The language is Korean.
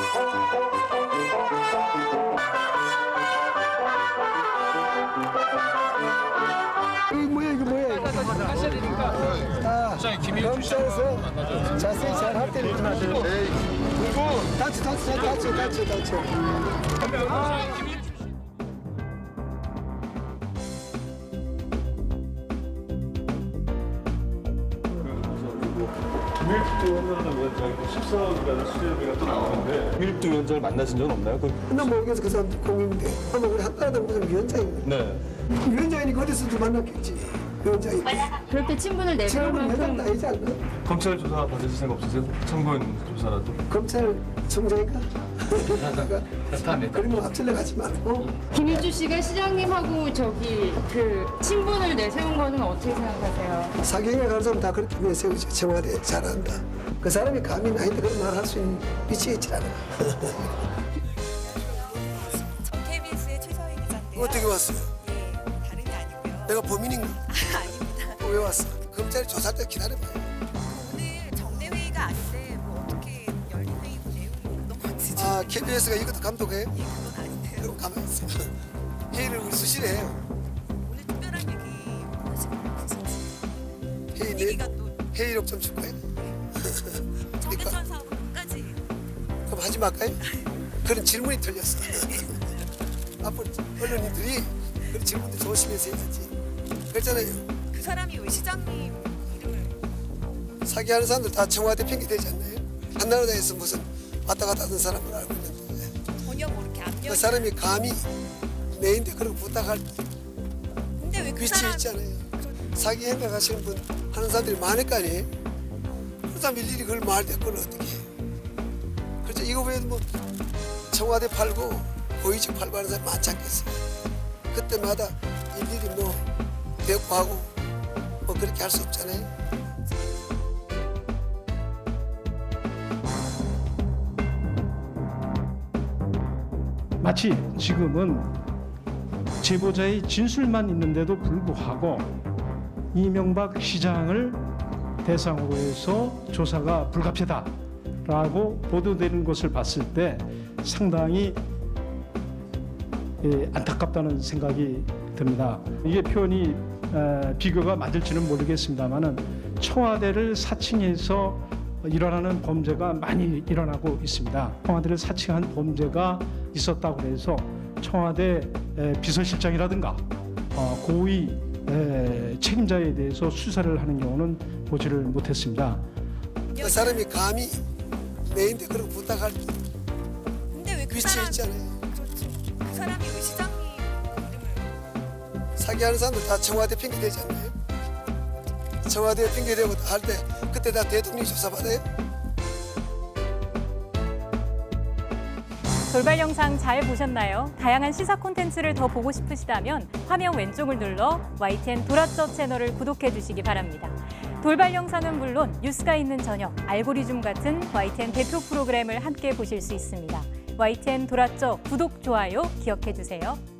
이거 뭐야? 하셔야 되니까. 아, 검찰에서 자세히 잘 할 때는 다쳐. 김일두 위원장이 14억이라는 수제비가 또 나오는데 김일두 위원장을 만나신 적은 없나요? 나 모르겠어. 그 사람 공인데 아마 우리 한나라당 무슨 위원장이거든. 네. 위원장이니까 어디서도 만났겠지. 위원장이. 그렇게 친분을 내세울 지금은 회장 만큼 나이지 않나? 검찰 조사 받으실 생각 없으세요? 참고인 조사라도? 검찰총장인가? 그런 거 앞질러 가지 말고. 김일주 씨가 시장님하고 그 친분을 내세운 거는 어떻게 생각하세요? 사경에 가는 사람 다 그렇게 내세우지. 청와대 잘한다. 그 사람이 감히 나한테 그런 말 할 수 있는 위치에 있지 않아. 전 KBS의 최서희 기자인데요. 어떻게 왔어요? 예, 다른 게 아니고요. 내가 범인인가? 아닙니다. 왜 왔어? 검찰이 조사할 때 기다려봐요. 오늘 정례 회의가 아닌데 뭐 어떻게 열린 회의고 내용이 어떤 건지 좀 아, KBS가 이것도 감독해? 그건 아닌데요. 그럼 가만히 있어. 회의를 우리 수시로 해요. 오늘 특별한 얘기 하시는 거 없으신지 회의 분위기가 또 회의록 좀 줄까요? 정대천 사업까지 그럼 하지 말까요? 그런 질문이 틀렸어. 앞으로 언론인들이 그런 질문도 조심해서 해야지. 그렇잖아요. 그 사람이 왜 시장님 이름을 사기하는 사람들 다 청와대 핑계 대지 않나요? 한나라당에서 무슨 왔다 갔다 하는 사람을 알고 있는데 전혀 뭐 이렇게 압력 그 사람이 감히 내인데 그런 거 부탁할 근데 왜 그 위치에 사람 있잖아요. 사기 행각하시는 분 하는 사람들이 많을 거 아니에요? 그 사람 일일이 그걸 말대 그걸 어떻게 해? 그렇죠. 이거 외에도 뭐 청와대 팔고 고위직 팔고 하는 사람 많지 않겠어요? 그때마다 일일이 뭐 대꾸하고 뭐 그렇게 할 수 없잖아요. 마치 지금은 제보자의 진술만 있는데도 불구하고 이명박 시장을 대상으로 해서 조사가 불가피하다라고 보도되는 것을 봤을 때 상당히 안타깝다는 생각이 듭니다. 이게 표현이 비교가 맞을지는 모르겠습니다만은 청와대를 사칭해서 일어나는 범죄가 많이 일어나고 있습니다. 청와대를 사칭한 범죄가 있었다고 해서 청와대 비서실장이라든가 고위 책임자에 대해서 수사를 하는 경우는 보지를 못했습니다. 그 사람이 감히 내인데 그런 거 부탁할 근데 왜 그 위치에 사람 있잖아요. 그렇죠. 그 사람이 왜 시장님 이름을 사기하는 사람들 다 청와대 핑계 대지 않나요? 청와대 핑계 대고 할 때 그때 다 대통령이 조사받아요? 돌발 영상 잘 보셨나요? 다양한 시사 콘텐츠를 더 보고 싶으시다면 화면 왼쪽을 눌러 YTN 돌아쩌 채널을 구독해 주시기 바랍니다. 돌발 영상은 물론 뉴스가 있는 저녁, 알고리즘 같은 YTN 대표 프로그램을 함께 보실 수 있습니다. YTN 돌아쩌 구독, 좋아요 기억해 주세요.